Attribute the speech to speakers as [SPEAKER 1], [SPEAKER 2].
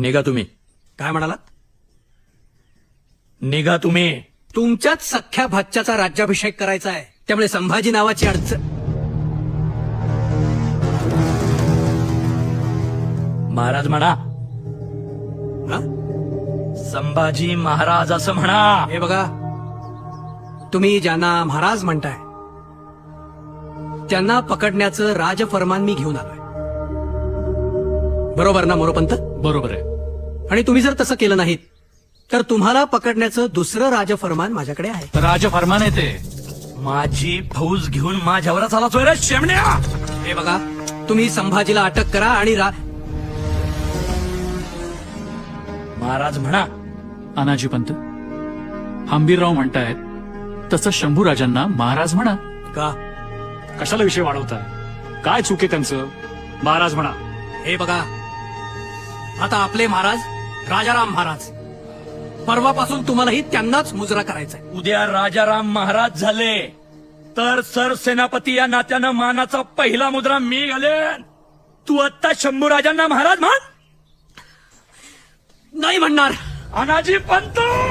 [SPEAKER 1] निघा तुम्ही.
[SPEAKER 2] काय म्हणालात?
[SPEAKER 1] निघा तुम्ही.
[SPEAKER 2] तुमच्याच सख्ख्या भाच्याचा राज्याभिषेक करायचा आहे, त्यामुळे संभाजी नावाची अडचण.
[SPEAKER 1] महाराज म्हणा.
[SPEAKER 2] हा?
[SPEAKER 1] संभाजी महाराज असं म्हणा.
[SPEAKER 2] हे बघा, तुम्ही ज्यांना महाराज म्हणताय त्यांना पकडण्याचं राजफरमान मी घेऊन आलोय. बरोबर ना मोरोपंत?
[SPEAKER 3] बरोबर आहे.
[SPEAKER 2] आणि तुम्ही जर तसं केलं नाहीत तर तुम्हाला पकडण्याचं दुसरं राजफरमान माझ्याकडे आहे.
[SPEAKER 3] राजफरमान आहे ते.
[SPEAKER 1] माझी फौज घेऊन माझ्यावरच आला चोय रे शेमण्या.
[SPEAKER 2] हे बघा, तुम्ही संभाजीला अटक करा आणि
[SPEAKER 1] महाराज म्हणा.
[SPEAKER 3] अनाजी पंत, हंबीरराव म्हणतायत तसं शंभूराजांना महाराज म्हणा.
[SPEAKER 2] का?
[SPEAKER 4] कशाला विषय वाढवताय? काय चूक आहे त्यांचं? महाराज म्हणा.
[SPEAKER 2] हे बघा, आता आपले महाराज राजाराम महाराज, परवापासून तुम्हालाही त्यांनाच मुजरा करायचा आहे.
[SPEAKER 1] उद्या राजाराम महाराज झाले तर सरसेनापती या नात्यानं मानाचा पहिला मुद्रा मी घालेन. तू आत्ता शंभूराजांना महाराज म्हण.
[SPEAKER 2] नाही म्हणणार.
[SPEAKER 1] अनाजी पंत.